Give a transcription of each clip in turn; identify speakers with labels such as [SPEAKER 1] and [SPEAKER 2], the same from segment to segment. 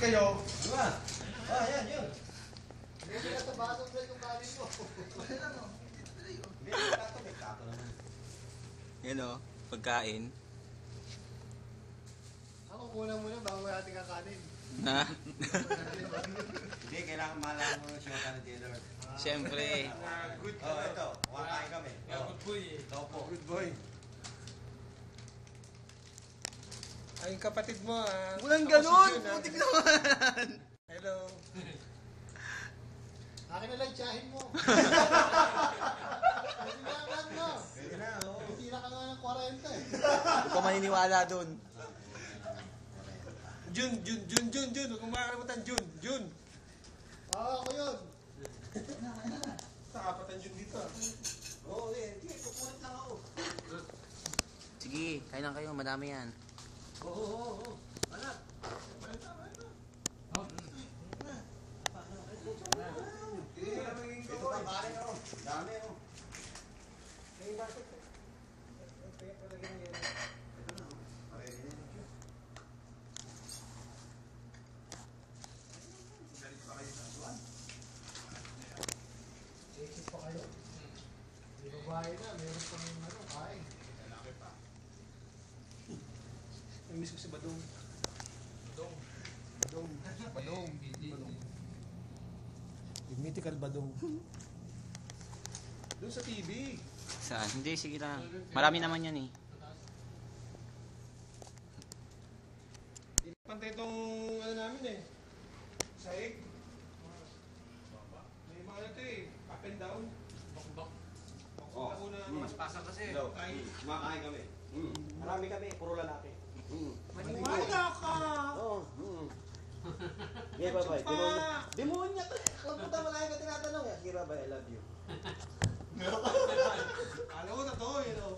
[SPEAKER 1] kayo.
[SPEAKER 2] Diba? Yan, yun.
[SPEAKER 3] Hindi ka tabasang sa itong kanin mo.
[SPEAKER 2] Hindi, may kato naman.
[SPEAKER 4] Yan o, pagkain.
[SPEAKER 3] Ako muna bago natin kakanin.
[SPEAKER 4] Na?
[SPEAKER 2] Hindi, kailangan malaman mo siya ka na Taylor.
[SPEAKER 4] Siyempre.
[SPEAKER 1] Good
[SPEAKER 2] Oh, ito. Kumakain kami.
[SPEAKER 1] Good boy.
[SPEAKER 2] Topo.
[SPEAKER 1] Good boy. Ay, yung kapatid mo ah.
[SPEAKER 4] Walang
[SPEAKER 1] Ako
[SPEAKER 4] ganun!
[SPEAKER 1] si Jun, ah.
[SPEAKER 4] Putik naman!
[SPEAKER 1] Hello.
[SPEAKER 3] Akin na lang tsahin mo. Sinakan mo.
[SPEAKER 2] Pwede na, oo.
[SPEAKER 3] Tira ka nga ng 40 eh.
[SPEAKER 4] Hindi ko maniniwala dun.
[SPEAKER 1] Jun. Huwag mong makakalimutan, Jun.
[SPEAKER 3] Ako yun.
[SPEAKER 1] Nakapatan Jun dito ah.
[SPEAKER 2] Oo, hindi. Kukulit lang ako.
[SPEAKER 4] Sige, kain lang kayo. Madami yan.
[SPEAKER 2] Oo. Anak. Ito pa, kain ako. Dami ako. Ito na, Parehin na.
[SPEAKER 3] Sexy pa kayo. Di ba bahay na, meron pang kain.
[SPEAKER 1] May miss ko si Badong. Badong. Yung mythical Badong. Doon sa TV.
[SPEAKER 4] Saan? Hindi, sige lang. Marami naman yan eh.
[SPEAKER 1] Pantay itong ano namin eh. Saig. May mga ano ito eh. Up and down. Bakbak.
[SPEAKER 2] Oh.
[SPEAKER 1] Mas pasang kasi.
[SPEAKER 2] Hello. Kumakain kami. Marami kami, puro lalaki.
[SPEAKER 1] Maniwala ka!
[SPEAKER 2] Oo. Yeah, bye-bye. Demonya to. Kung punta malaki ka tinatanong. Kira ba, I love you.
[SPEAKER 1] Alam ko na to, you know.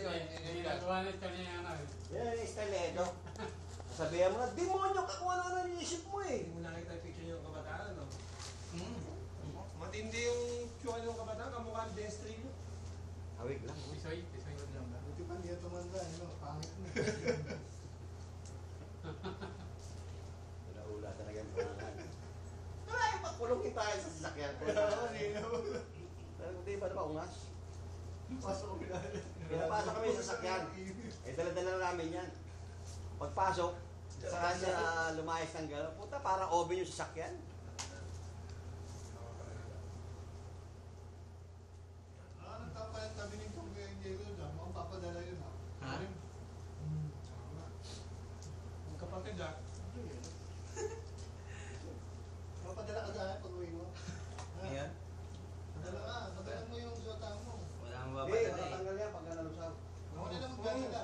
[SPEAKER 2] Yan yung style eh, Edo. Sabihan mo na, demonyo ka kung ano-ano niisip mo eh.
[SPEAKER 1] Hindi mo nakita yung picture niyo ng kabataan, no? Matindi yung tsura ng kabataan, kamukha ng Destry nyo.
[SPEAKER 2] Hawig lang.
[SPEAKER 3] Buti pa niya tumanda, pangit na.
[SPEAKER 2] Ula-ula talaga yung pangalan. Ay, pakulungin tayo sa sasakyan. Pero di ba naman ungas? Pinapasok kami sa sasakyan. Eh, dala-dala namin yan. Pagpasok, saka siya lumayas ng gano'n. Puta, parang oven yung sasakyan.
[SPEAKER 3] Nagtapalit kami ng Pugay and Diego dyan. Mukhang papadala yun ha.
[SPEAKER 4] Ha?
[SPEAKER 1] Magkapatid ah.
[SPEAKER 3] Papadala ka dyan pag uwi mo.
[SPEAKER 4] Ayan.
[SPEAKER 3] Padala mo yung sota mo.
[SPEAKER 4] Wala akong
[SPEAKER 2] Eh,
[SPEAKER 4] babatala eh.
[SPEAKER 2] matatanggal yan pag nalusaw.
[SPEAKER 3] Ako na lang magdadala.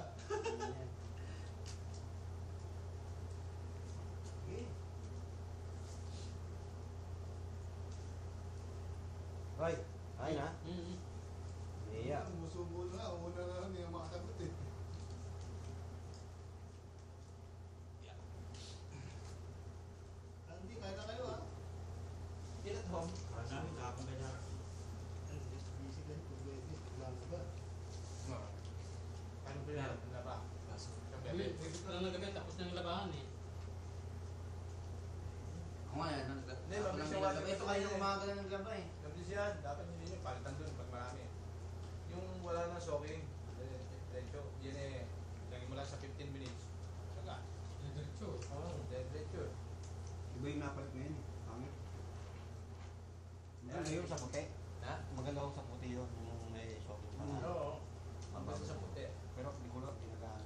[SPEAKER 2] Hoy, ayun ha? Iya.
[SPEAKER 3] Musubo na. Una na lang yung makasagot eh. Andy, kaya na kayo ha?
[SPEAKER 4] Ilan home?
[SPEAKER 3] Busy ka ito. Wala na ba?
[SPEAKER 1] Ano ba yan? Laba.
[SPEAKER 5] Lang nagabi, tapos nang labahan eh.
[SPEAKER 4] Ako nga yan.
[SPEAKER 1] Hindi,
[SPEAKER 4] Ako
[SPEAKER 1] mabilis
[SPEAKER 4] lang
[SPEAKER 1] yung
[SPEAKER 4] nilagay.
[SPEAKER 1] wala.
[SPEAKER 4] Ito kayo umaga na ng gaba eh.
[SPEAKER 1] Mabilis yan. Dapat hindi nyo palitan dun pag marami. Yung wala na soaking. Diretso. Yan eh. Lagyan mo lang sa 15 minutes. Saka.
[SPEAKER 5] Diretso.
[SPEAKER 1] Oo, diretso.
[SPEAKER 2] Iba yung napalit ngayon eh. Pangit. Maganda yung sa puti.
[SPEAKER 1] Ha?
[SPEAKER 2] Maganda yung sa puti yun. Yung may shopping pa na.
[SPEAKER 1] Oo. Mabilis sa puti.
[SPEAKER 2] Pero hindi ko lang ginagaan.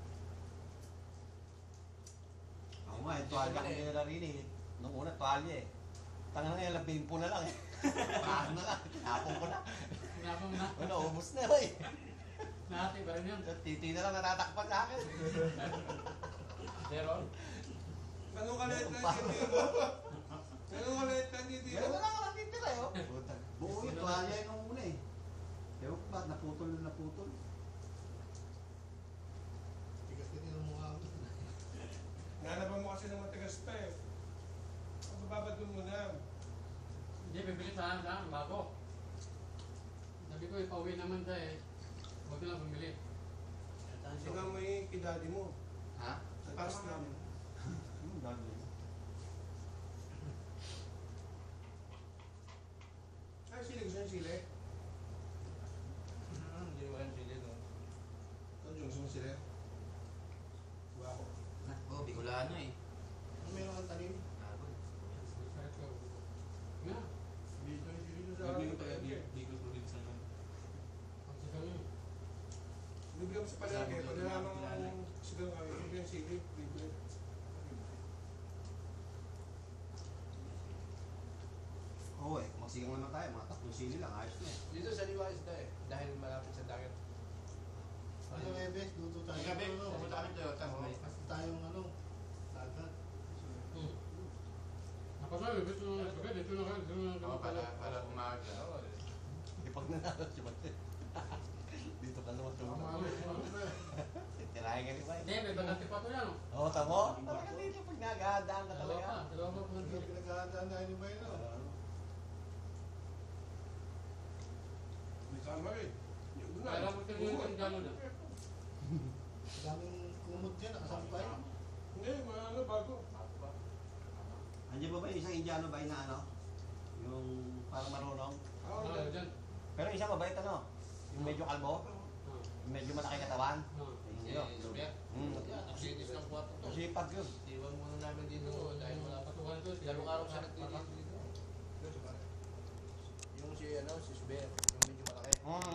[SPEAKER 2] Ako nga, yung tuwalya ang ginala rin eh. Nung una, tuwalya eh. Tangan nga, labing po na lang eh. Parang na lang, tinapong ko na.
[SPEAKER 5] Pinapang na.
[SPEAKER 2] Ano, ubos na eh.
[SPEAKER 5] Nahati pa rin yun.
[SPEAKER 2] Titi na lang natatakpan sa akin.
[SPEAKER 5] Pero,
[SPEAKER 1] Ganun kaliit lang yung titi mo. Ganun kaliit lang yung titi
[SPEAKER 2] Meron
[SPEAKER 1] mo.
[SPEAKER 2] na lang ang titira eh. oh. Buo yung tuwalya yung nung una eh. Ewan ko ba't naputol na naputol.
[SPEAKER 3] Tigas ka din ang mukha mo.
[SPEAKER 1] Nalaban mo kasi ng matigas pa eh. Pagpapabad mo muna.
[SPEAKER 5] hindi, bibili sana bago. Sabi ko, ipauwi naman tayo eh. Huwag na lang bumili.
[SPEAKER 1] Tingnan mo yung kidadi mo.
[SPEAKER 4] Ha?
[SPEAKER 1] Sa taas namin.
[SPEAKER 2] Dami.
[SPEAKER 1] doon sa palengke, pag nilamang sigang kami, yung sili, libre.
[SPEAKER 2] Oo eh, masigang naman tayo, mga 3 sili lang, ayos na eh.
[SPEAKER 1] Dito sa Liwa Isda eh, dahil malapit sa dagat.
[SPEAKER 3] Ano Ebes, luto tayo.
[SPEAKER 4] Ay, gabi,
[SPEAKER 3] Ano,
[SPEAKER 4] pumunta kami Toyota.
[SPEAKER 3] Basta tayong ano, dagat.
[SPEAKER 5] Ako sa dito na kayo, dito na kayo.
[SPEAKER 4] Oo, para umawag ka.
[SPEAKER 1] Oo,
[SPEAKER 2] Di pag nanalo si Mate. Dito ka naman tulog. Titirahin ka ni Bay.
[SPEAKER 5] Hindi, may bagati pa ito yan.
[SPEAKER 2] Oo, tamo. Talaga dito pag nagahadaan ka talaga.
[SPEAKER 5] Dalawa pa po.
[SPEAKER 3] Hindi pinaghahandaan na ni Bay, no?
[SPEAKER 1] may sama rin. Yung doon
[SPEAKER 5] Kaya mo ito yung gano'n na.
[SPEAKER 3] Daming kumot dyan, nakasampay.
[SPEAKER 1] Hindi, mga ano, bago.
[SPEAKER 2] Andiyan ba ba yung isang Indiano ba na ano? Yung parang marunong?
[SPEAKER 1] Oo,
[SPEAKER 5] Ah, dyan.
[SPEAKER 2] Pero isang mabait ano? Yung medyo kalbo? Yung medyo malaki katawan?
[SPEAKER 4] Si
[SPEAKER 2] Yun.
[SPEAKER 4] Zubia. Naksitis ng kwarto to.
[SPEAKER 2] Masipag yun.
[SPEAKER 4] Iwan muna namin dito dahil wala pa.
[SPEAKER 5] Patukan ito.
[SPEAKER 4] Dalawang araw siya nagtitiis dito.
[SPEAKER 1] Doon sa pare.
[SPEAKER 4] Yung si Zubia, yung medyo malaki.